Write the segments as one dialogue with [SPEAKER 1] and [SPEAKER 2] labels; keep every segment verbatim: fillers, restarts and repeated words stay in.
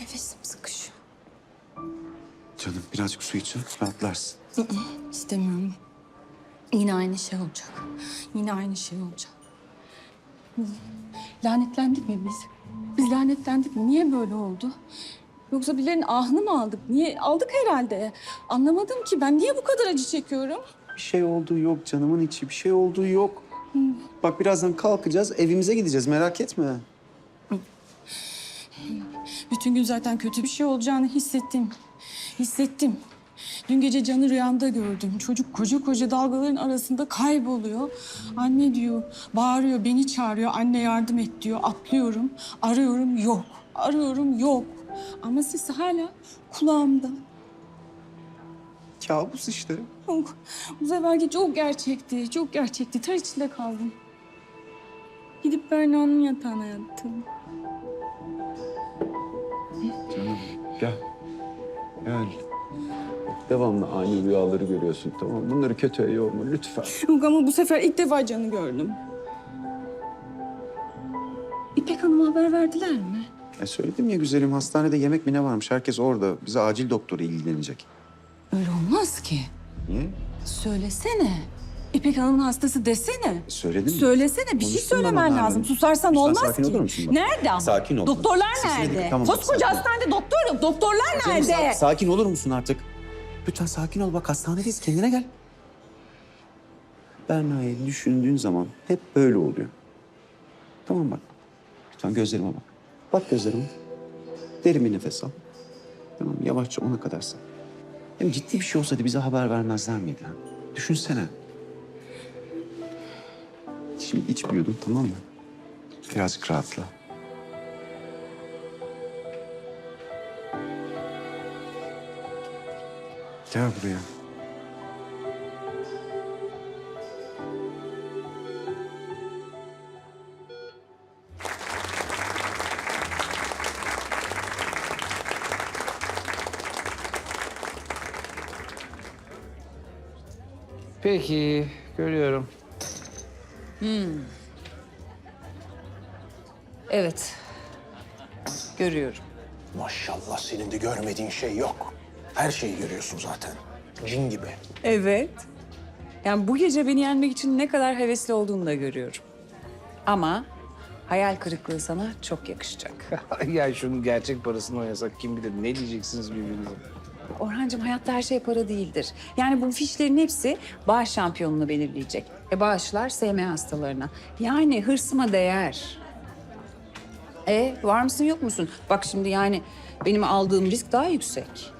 [SPEAKER 1] Nefesim sıkışıyor.
[SPEAKER 2] Canım birazcık su için rahatlarsın.
[SPEAKER 1] Hı hı, İstemiyorum. Yine aynı şey olacak. Yine aynı şey olacak. Lanetlendik mi biz? Biz lanetlendik mi? Niye böyle oldu? Yoksa birilerinin ahını mı aldık? Niye? Aldık herhalde. Anlamadım ki ben niye bu kadar acı çekiyorum?
[SPEAKER 2] Bir şey olduğu yok canımın içi. Bir şey olduğu yok. Bak birazdan kalkacağız, evimize gideceğiz. Merak etme.
[SPEAKER 1] Bütün gün zaten kötü bir şey olacağını hissettim. Hissettim. Dün gece Can'ı rüyamda gördüm. Çocuk koca koca dalgaların arasında kayboluyor. Anne diyor, bağırıyor, beni çağırıyor. Anne yardım et diyor. Atlıyorum, arıyorum, yok. Arıyorum, yok. Ama sesi hala kulağımda.
[SPEAKER 2] Kabus işte.
[SPEAKER 1] Yok. Bu seferki çok gerçekti, çok gerçekti. Ter içinde kaldım. Gidip Berna'nın yatağına yattım.
[SPEAKER 2] Canım gel. Gel. Devamlı aynı rüyaları görüyorsun, tamam mı? Bunları kötüye yorma lütfen.
[SPEAKER 1] Yok ama bu sefer ilk defa Can'ı gördüm. İpek Hanım'a haber verdiler mi?
[SPEAKER 2] E söyledim ya güzelim, hastanede yemek mi ne varmış? Herkes orada. Bize acil doktoru ilgilenecek.
[SPEAKER 1] Öyle olmaz ki.
[SPEAKER 2] Niye?
[SPEAKER 1] Söylesene. İpek Hanım'ın hastası desene.
[SPEAKER 2] E, söyledim mi?
[SPEAKER 1] Söylesene, bir şey
[SPEAKER 2] Konuştum ben
[SPEAKER 1] söylemen
[SPEAKER 2] onlarla.
[SPEAKER 1] lazım. Susarsan
[SPEAKER 2] Lütfen
[SPEAKER 1] olmaz
[SPEAKER 2] sakin
[SPEAKER 1] ki.
[SPEAKER 2] olur musun bak?
[SPEAKER 1] Nerede ama?
[SPEAKER 2] Sakin ol.
[SPEAKER 1] Doktorlar
[SPEAKER 2] Sesini
[SPEAKER 1] nerede?
[SPEAKER 2] dik- tamam,
[SPEAKER 1] Koskoca
[SPEAKER 2] sakin ol.
[SPEAKER 1] hastanede doktor yok. Doktorlar
[SPEAKER 2] Canım,
[SPEAKER 1] nerede?
[SPEAKER 2] sa- sakin olur musun artık? Lütfen sakin ol. Bak hastanedeyiz. Kendine gel. Berna'yı düşündüğün zaman hep böyle oluyor. Tamam bak. Lütfen gözlerime bak. Bak gözlerime. Derin bir nefes al. Tamam yavaşça ona kadar say. Hem ciddi bir şey olsaydı bize haber vermezler miydi? ha? Düşünsene. Şimdi iç bir yudum, tamam mı? Birazcık rahatla. Gel buraya.
[SPEAKER 3] Peki, görüyorum.
[SPEAKER 4] Evet. Görüyorum.
[SPEAKER 5] Maşallah senin de görmediğin şey yok. Her şeyi görüyorsun zaten. Cin gibi.
[SPEAKER 4] Evet. Yani bu gece beni yenmek için ne kadar hevesli olduğunu da görüyorum. Ama hayal kırıklığı sana çok yakışacak.
[SPEAKER 3] Ya şunun gerçek parasını oynasak kim bilir ne diyeceksiniz birbirinize.
[SPEAKER 4] Orhancığım hayatta her şey para değildir. Yani bu fişlerin hepsi bağış şampiyonunu belirleyecek. E bağışlar S M hastalarına. Yani hırsıma değer. E var mısın yok musun? Bak şimdi yani benim aldığım risk daha yüksek.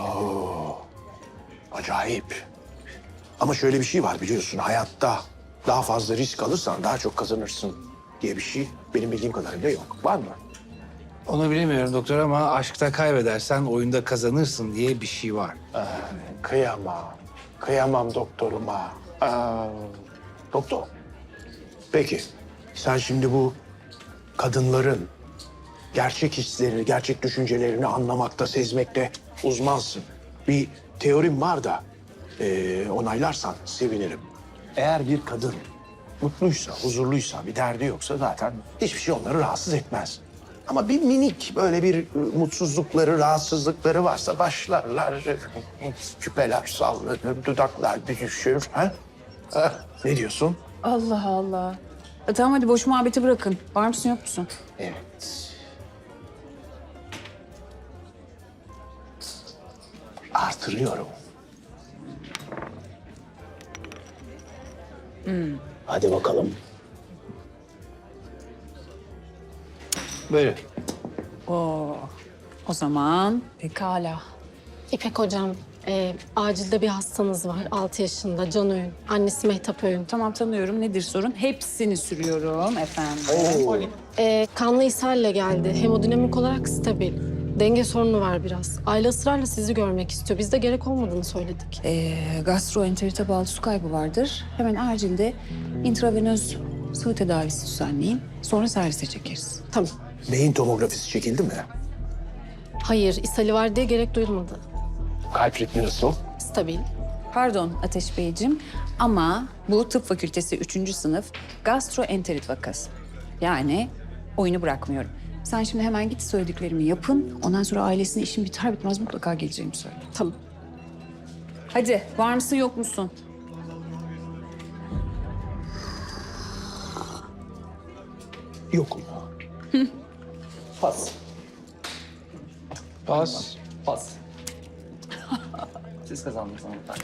[SPEAKER 5] Acayip. Ama şöyle bir şey var biliyorsun hayatta. Daha fazla risk alırsan daha çok kazanırsın diye bir şey benim bildiğim kadarıyla yok. Var mı?
[SPEAKER 3] Onu bilemiyorum doktor ama aşkta kaybedersen oyunda kazanırsın diye bir şey var.
[SPEAKER 5] Kıyamam. Kıyamam doktoruma. Aa, doktor. Peki sen şimdi bu kadınların gerçek hislerini, gerçek düşüncelerini anlamakta, sezmekte uzmansın. Bir teorim var da eee, onaylarsan sevinirim. Eğer bir kadın mutluysa, huzurluysa, bir derdi yoksa zaten hiçbir şey onları rahatsız etmez. Ama bir minik böyle bir e, mutsuzlukları, rahatsızlıkları varsa başlarlar. e, Küpeler sallanır, dudaklar düşür. Ha? Ha, ne diyorsun?
[SPEAKER 4] Allah Allah. E, tamam hadi boş muhabbeti bırakın. Var mısın yok musun?
[SPEAKER 5] Evet. Artırıyorum. Hadi bakalım.
[SPEAKER 3] Böyle.
[SPEAKER 4] Oo. O zaman
[SPEAKER 6] Pekala. İpek hocam, e, acilde bir hastanız var. Altı yaşında Can Öğün. Annesi Mehtap Öğün.
[SPEAKER 4] tamam tanıyorum. Nedir sorun? Hepsini sürüyorum efendim.
[SPEAKER 6] E, kanlı ishalle geldi. Hemodinamik olarak stabil. Denge sorunu var biraz. Aile ısrarla sizi görmek istiyor. Biz de gerek olmadığını söyledik.
[SPEAKER 4] Ee, gastroenterite bağlı su kaybı vardır. Hemen acilde intravenöz sıvı tedavisi düzenleyin. Sonra servise çekeriz.
[SPEAKER 6] Tamam.
[SPEAKER 5] Beyin tomografisi çekildi mi?
[SPEAKER 6] Hayır, ishali var diye gerek duyulmadı.
[SPEAKER 5] Kalp ritmi nasıl?
[SPEAKER 6] Stabil.
[SPEAKER 4] Pardon Ateş Beyciğim ama bu tıp fakültesi üçüncü sınıf gastroenterit vakası. Yani oyunu bırakmıyorum. Sen şimdi hemen git söylediklerimi yapın. Ondan sonra ailesine işim biter bitmez mutlaka geleceğimi söyle.
[SPEAKER 6] Tamam.
[SPEAKER 4] Hadi var mısın yok musun?
[SPEAKER 5] Yokum. Pas.
[SPEAKER 3] Pas.
[SPEAKER 7] Pas. Siz kazandınız hanımefendi.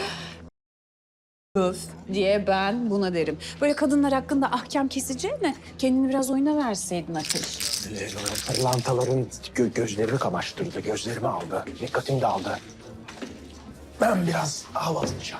[SPEAKER 4] Öf diye ben buna derim. Böyle kadınlar hakkında ahkam keseceğine kendini biraz oyuna verseydin Ateş.
[SPEAKER 5] Ee, Pırlantaların gö- gözlerimi kamaştırdı, gözlerimi aldı, dikkatim dağıldı. Ben biraz hava alacağım.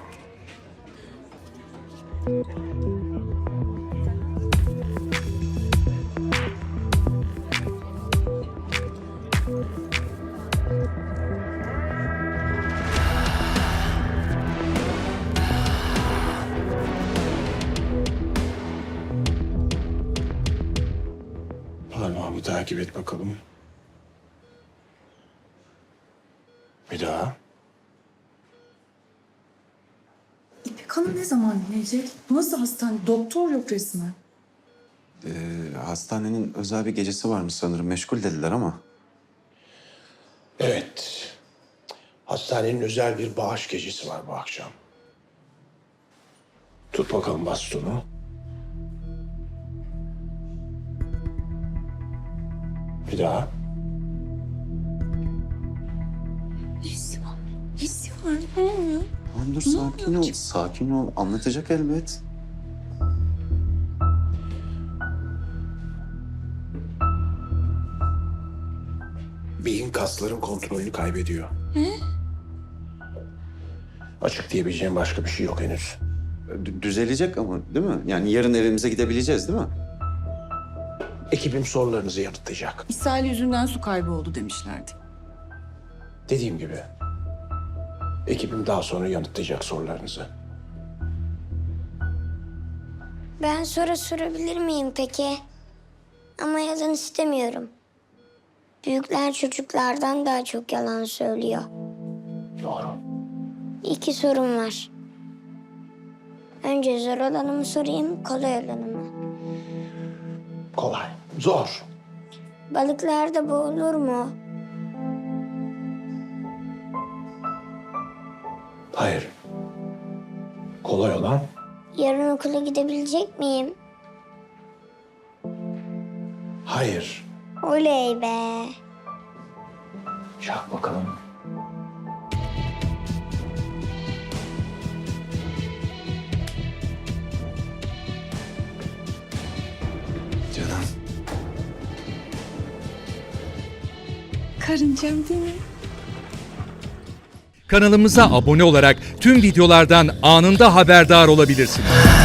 [SPEAKER 5] Parmağımı takip et bakalım. Bir daha.
[SPEAKER 1] İpek Hanım ne zaman gelecek? Nasıl hastane? Doktor yok resmen.
[SPEAKER 2] Ee, hastanenin özel bir gecesi varmış sanırım. Meşgul dediler ama.
[SPEAKER 5] Evet. Hastanenin özel bir bağış gecesi var bu akşam. Tut bakalım bastonu. Bir daha.
[SPEAKER 1] Nesi var? Nesi var? Ne oluyor?
[SPEAKER 2] Tamam dur sakin ol. Sakin ol. Anlatacak elbet.
[SPEAKER 5] Beyin kasların kontrolünü kaybediyor. Açık diyebileceğim başka bir şey yok henüz.
[SPEAKER 2] D- düzelecek ama değil mi? Yani yarın evimize gidebileceğiz değil mi?
[SPEAKER 5] Ekibim sorularınızı yanıtlayacak.
[SPEAKER 1] İshal yüzünden su kaybı oldu demişlerdi.
[SPEAKER 5] Dediğim gibi. Ekibim daha sonra yanıtlayacak sorularınızı.
[SPEAKER 8] Ben soru sorabilir miyim peki? Ama yalan istemiyorum. Büyükler çocuklardan daha çok yalan söylüyor.
[SPEAKER 5] Doğru.
[SPEAKER 8] İki sorum var. Önce zor olanı mı sorayım, kolay olanı mı?
[SPEAKER 5] Kolay. Zor.
[SPEAKER 8] Balıklar da boğulur mu?
[SPEAKER 5] Hayır. Kolay olan
[SPEAKER 8] Yarın okula gidebilecek miyim?
[SPEAKER 5] hayır.
[SPEAKER 8] Oley be.
[SPEAKER 5] Çak bakalım.
[SPEAKER 2] Canım.
[SPEAKER 1] Karıncam değil mi?
[SPEAKER 9] Kanalımıza abone olarak tüm videolardan anında haberdar olabilirsiniz.